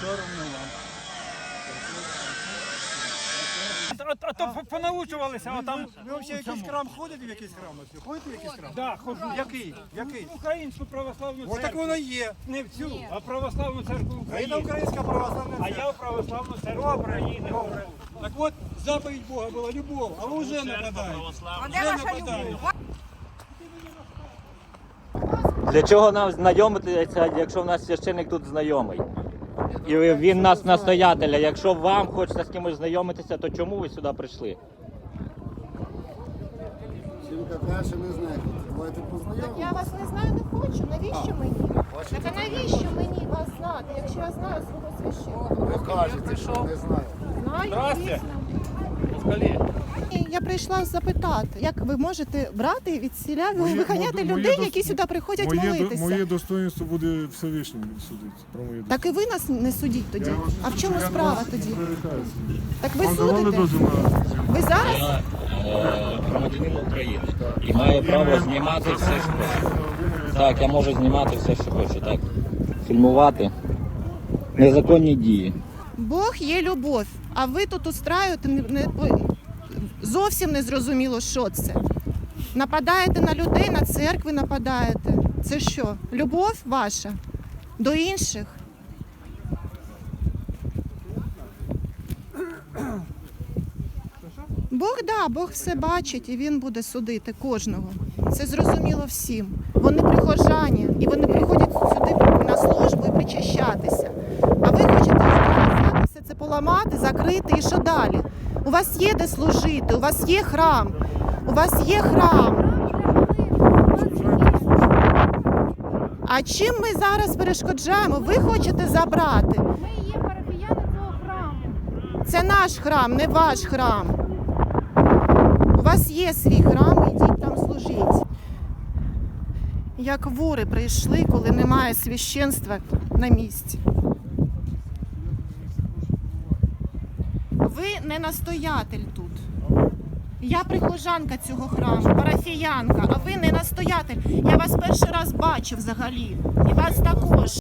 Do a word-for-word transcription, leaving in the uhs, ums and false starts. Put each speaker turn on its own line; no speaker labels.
соромно вам. А, а то понаучувалися, а там...
Ви взагалі в якийсь храм ходите в якийсь храм? Ходите в якийсь храм?
Да, ходжу.
Який? Який?
Українську православну
Ось так
церкву.
воно є.
Не в цю, а православну церкву
А
України.
це українська православна
А
церква.
я в православну церкву України.
Добре. Так от, заповідь Бога була любов, а ви вже нападаєте.
А де ваша любов?
Для чого нам знайомитися, якщо в нас священник тут знайомий? І він нас настоятеля. Якщо вам хочеться з кимось знайомитися, то чому ви сюди прийшли?
Жінка каже, не знає. Давайте
Так
познайомимося.
я вас не знаю, не хочу. Навіщо мені? Так а навіщо мені вас знати, якщо я знаю свого священника?
Ви кажете, що не знаю.
Знаю, звісно. І Я прийшла запитати, як ви можете брати і від сіля виганяти
моє
людей,
дос-
які сюди приходять
Моє, до-
молитися.
моє достоинство буде Всевишній судити. Про моє
Так і ви нас не судіть тоді.
Я вас-
А в чому
я
справа
вас
тоді?
не прерікаюся.
Так ви
Вам давали
судите?
дозвіл на зйомку?
Ви зараз?
Я е, громадянин України і маю право знімати все, що хочу. Так, я можу знімати все, що хочу, так. Фільмувати незаконні дії.
Бог є любов, а ви тут устраюєте не, не, зовсім не зрозуміло, що це. Нападаєте на людей, на церкви нападаєте. Це що, любов ваша до інших? Бог, да, Бог все бачить і Він буде судити кожного. Це зрозуміло всім. Вони прихожані, і вони приходять сюди на службу і причащатися. А ви хочете взяти все це поламати, закрити і що далі? У вас є де служити, у вас є храм, у вас є храм. А чим ми зараз перешкоджаємо? Ви хочете забрати.
Ми є парафіяни цього храму.
Це наш храм, не ваш храм. У вас є свій храм, ідіть там служіть. Як вори прийшли, коли немає священства на місці. Ви не настоятель тут. Я прихожанка цього храму, парафіянка, а ви не настоятель. Я вас перший раз бачу взагалі. І вас також.